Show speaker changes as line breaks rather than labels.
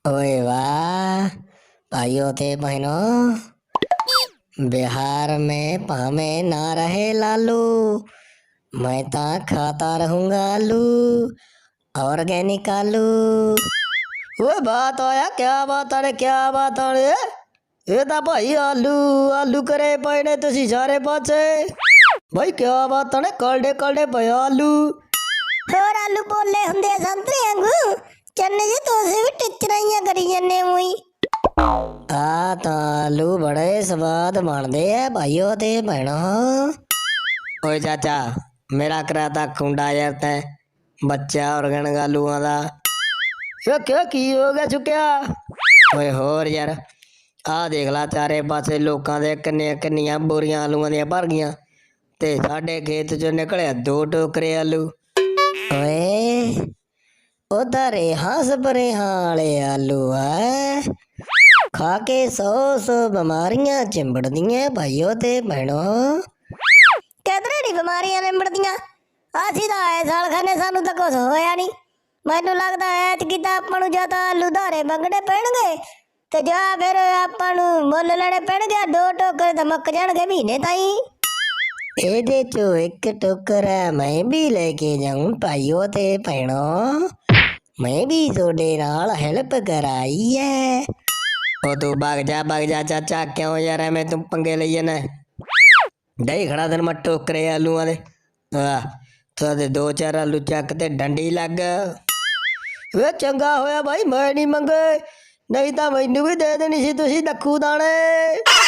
ओए वाह भाइयों थे बहनों। बिहार में पामे ना रहे लालू, मैं ता खाता रहूंगा आलू, ऑर्गेनिक आलू। ओए बात आया, क्या बात है, क्या बात है। ਇਹ ਤਾਂ ਭਾਈ ਆਲੂ ਆਲੂ ਕਰੇ ਪਏ ਨੇ ਤੁਸੀਂ ਸਾਰੇ ਪਾਸੇ। ਭਾਈ ਕੀ ਬਾਤ ਨੇ, ਕਲਡੇ ਕਲਡੇ ਪਏ ਆਲੂ।
ਹੋਰ ਆਲੂ ਪੋਲੇ ਹੁੰਦੇ ਆ ਸੰਤਰੇ ਵਾਂਗੂ। ਚੰਨੇ ਜੀ ਤੁਸੀਂ ਵੀ ਟਿਚਰਾਈਆਂ ਕਰੀ ਜਾਂਦੇ ਹੋਈ।
ਆ ਤਾਂ ਆਲੂ ਬੜੇ ਸਵਾਦ ਬਣਦੇ ਆ ਭਾਈਓ ਤੇ ਭੈਣੋ। ਓਏ ਚਾਚਾ, ਮੇਰਾ ਕਰਾਤਾ ਖੁੰਡਾ ਯਾਰ ਤੈਂ ਬੱਚਾ ਔਰਗੈਨਿਕ ਆਲੂਆਂ ਦਾ। ਇਹ ਕਿਆ ਕੀ ਹੋ ਗਿਆ ਚੁੱਕਿਆ। ਓਏ ਹੋਰ ਯਾਰ, ਆਹ ਦੇਖ ਲਾ ਚਾਰੇ ਪਾਸੇ ਲੋਕਾਂ ਦੇ ਕਿੰਨੀਆਂ ਕਿੰਨੀਆਂ ਬੋਰੀਆਂ ਆਲੂਆਂ ਦੀਆਂ ਭਰ ਗਈਆਂ ਤੇ ਸਾਡੇ ਖੇਤ ਚੋਂ ਨਿਕਲਿਆ 2 ਟੋਕਰੇ ਆਲੂ। ਓਏ ਉਹ ਤਾਂ ਰੇਹਾਂ ਸਪਰੇਹਾਂ ਵਾਲੇ ਆਲੂ ਆ, ਖਾ ਕੇ 100 ਬਿਮਾਰੀਆਂ ਚਿੰਬੜਦੀਆਂ ਭਾਈਓ ਤੇ ਭੈਣੋ।
ਕਿਧਰੇ ਨੀ ਬਿਮਾਰੀਆਂ ਨਿਬੜਦੀਆਂ। ਅਸੀਂ ਤਾਂ ਆਏ ਸਾਲ ਖਾਨੇ, ਸਾਨੂੰ ਤਾਂ ਕੁਛ ਹੋਇਆ ਨਹੀਂ। ਮੈਨੂੰ ਲੱਗਦਾ ਐਤਕੀ ਤਾਂ ਆਪਾਂ ਨੂੰ ਜਾਂ ਤਾਂ ਆਲੂ ਧਾਰੇ ਮੰਗਣੇ ਪੈਣਗੇ ਤੇ ਜਾਂ ਫਿਰ ਆਪਾਂ ਨੂੰ ਮੁੱਲ ਲੈਣੇ ਪੈਣਗੇ। 2 ਟੋਕਰੇ ਤਾਂ ਮੁੱਕ ਜਾਣਗੇ ਮਹੀਨੇ ਤਾਈਂ।
ਇਹਦੇ ਚੋਂ 1 ਟੋਕਰਾ ਮੈਂ ਵੀ ਲੈ ਕੇ ਜਾਊਂ ਭਾਈਓ ਤੇ ਭੈਣੋ। ਮੈਂ ਵੀ ਤੁਹਾਡੇ ਨਾਲ ਹੈਲਪ ਕਰਾਈ ਹੈ। ਉਹ ਤੂੰ ਭੱਗ ਜਾ ਚਾਚਾ, ਕਿਉਂ ਯਾਰ ਐਵੇਂ ਤੂੰ ਪੰਗੇ ਲਈ ਜਾਣਾ। ਡਈ ਖੜਾ ਤੈਨੂੰ ਮੈਂ ਟੋਕਰੇ ਆਲੂਆਂ ਦੇ। ਆਹ ਤੁਹਾਡੇ 2-4 ਆਲੂ ਚੱਕ ਤੇ ਡੰਡੀ ਲੱਗ। ਵੇ ਚੰਗਾ ਹੋਇਆ ਭਾਈ ਮੈਂ ਨਹੀਂ ਮੰਗੇ, ਨਹੀਂ ਤਾਂ ਮੈਨੂੰ ਵੀ ਦੇ ਦੇਣੀ ਸੀ ਤੁਸੀਂ ਦੱਖੂ ਦਾਣੇ।